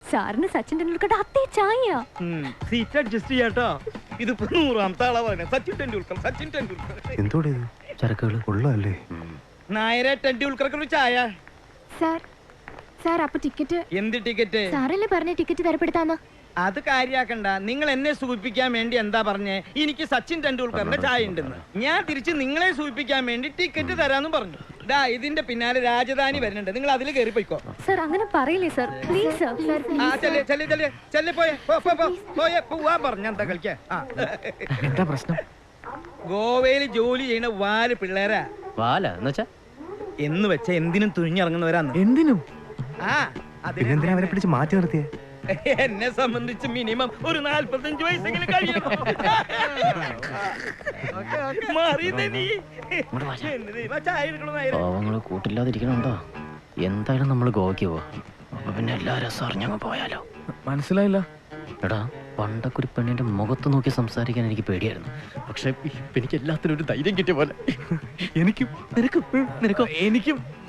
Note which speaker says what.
Speaker 1: സാറിന് സച്ചിൻ ടെണ്ടുൽക്കറുടെ അതേ ചായ.
Speaker 2: സീറ്റ് അഡ്ജസ്റ്റ് ചെയ്യാട്ടോ. ഇതിപ്പോ 100ാമത്തെ ആളാ പറയുന്നത്. സച്ചിൻ ടെണ്ടുൽക്കർ.
Speaker 3: എന്തോടെ ചരക്കുകൾ ഉള്ളതല്ലേ?
Speaker 2: നായരെ ടെണ്ടുൽക്കർക്ക് ഒരു ചായ.
Speaker 1: സാർ അപ്പൊ ടിക്കറ്റ്?
Speaker 2: എന്ത് ടിക്കറ്റ്?
Speaker 1: സാറല്ലേ പറഞ്ഞ ടിക്കറ്റ് തരപ്പെടുത്താന്ന്.
Speaker 2: അത് കാര്യാക്കണ്ട. നിങ്ങൾ എന്നെ സൂചിപ്പിക്കാൻ വേണ്ടി എന്താ പറഞ്ഞേ? എനിക്ക് സച്ചിൻ ടെണ്ടുൽക്കറിന്റെ ചായ ഉണ്ടെന്ന്. ഞാൻ തിരിച്ച് നിങ്ങളെ സൂചിപ്പിക്കാൻ വേണ്ടി ടിക്കറ്റ് തരാന്ന് പറഞ്ഞു. ഇതിന്റെ പിന്നാലെ രാജധാനി വരുന്നുണ്ട്. നിങ്ങൾ അതിൽ കയറി പോയിക്കോ.
Speaker 1: സാർ അങ്ങനെ പറയില്ലേ സാർ, പ്ലീസ്
Speaker 2: സർ. പോവാ പറഞ്ഞ എന്താ കളിക്കാ?
Speaker 3: എന്താ പ്രശ്നം?
Speaker 2: ഗോവയിൽ ജോലി ചെയ്യുന്ന 4 പിള്ളേരാ. എന്ന് വെച്ചാ എന്തിനും തുനിഞ്ഞിറങ്ങുന്നവരാന്ന്.
Speaker 3: എന്തിനും?
Speaker 2: പിന്നെന്തിനാ
Speaker 3: അവരെ പിടിച്ച് മാറ്റി നിർത്തിയേ?
Speaker 2: എന്നെ സംബന്ധിച്ച് മിനിമം ഒരു 45 വയസ്സെങ്കിലും കഴിയണം.
Speaker 4: കൂട്ടില്ലാതിരിക്കണുണ്ടോ? എന്തായാലും നമ്മള് ഗോവയ്ക്ക് പോവാ. അപ്പൊ പിന്നെ എല്ലാ രസം അറിഞ്ഞങ്ങ് പോയാലോ?
Speaker 3: മനസ്സിലായില്ല.
Speaker 4: എടാ, പണ്ടൊക്കെ ഒരു പെണ്ണിന്റെ മുഖത്ത് നോക്കി സംസാരിക്കാൻ എനിക്ക് പേടിയായിരുന്നു. പക്ഷെ എനിക്ക് എല്ലാത്തിനും ഒരു ധൈര്യം കിട്ടിയ പോലെ.
Speaker 3: എനിക്കും.
Speaker 4: നിനക്കോ?
Speaker 3: എനിക്കും.